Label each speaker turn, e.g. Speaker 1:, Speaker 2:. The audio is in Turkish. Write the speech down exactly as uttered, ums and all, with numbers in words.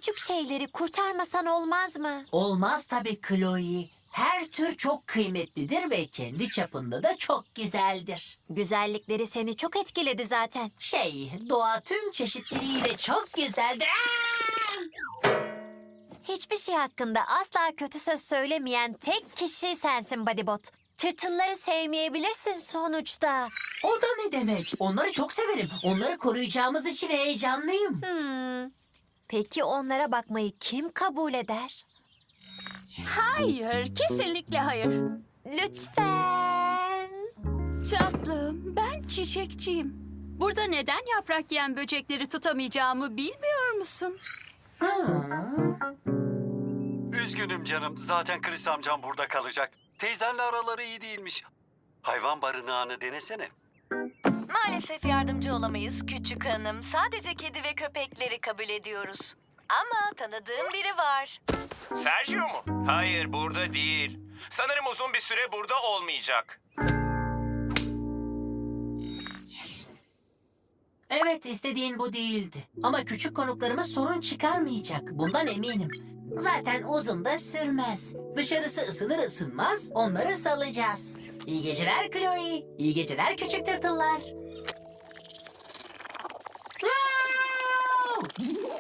Speaker 1: küçük şeyleri kurtarmasan olmaz mı?
Speaker 2: Olmaz tabii Chloe. Her tür çok kıymetlidir ve kendi çapında da çok güzeldir.
Speaker 1: Güzellikleri seni çok etkiledi zaten.
Speaker 2: Şey, doğa tüm çeşitliliğiyle çok güzeldir. Aa!
Speaker 1: Hiçbir şey hakkında asla kötü söz söylemeyen tek kişi sensin Bodybot. Tırtılları sevmeyebilirsin sonuçta.
Speaker 2: O da ne demek? Onları çok severim. Onları koruyacağımız için heyecanlıyım.
Speaker 1: Hmm. Peki onlara bakmayı kim kabul eder?
Speaker 3: Hayır, kesinlikle hayır.
Speaker 1: Lütfen.
Speaker 3: Tatlım, ben çiçekçiyim. Burada neden yaprak yiyen böcekleri tutamayacağımı bilmiyor musun?
Speaker 4: Üzgünüm canım. Zaten Chris amcam burada kalacak. Teyzenle araları iyi değilmiş. Hayvan barınağını denesene.
Speaker 5: Maalesef yardımcı olamayız küçük hanım. Sadece kedi ve köpekleri kabul ediyoruz. Ama tanıdığım biri var.
Speaker 6: Sergio mu? Hayır, burada değil. Sanırım uzun bir süre burada olmayacak.
Speaker 2: Evet, istediğin bu değildi. Ama küçük konuklarıma sorun çıkarmayacak. Bundan eminim. Zaten uzun da sürmez. Dışarısı ısınır ısınmaz onları salacağız. İyi geceler Chloe. İyi geceler küçük tırtıllar. Wow!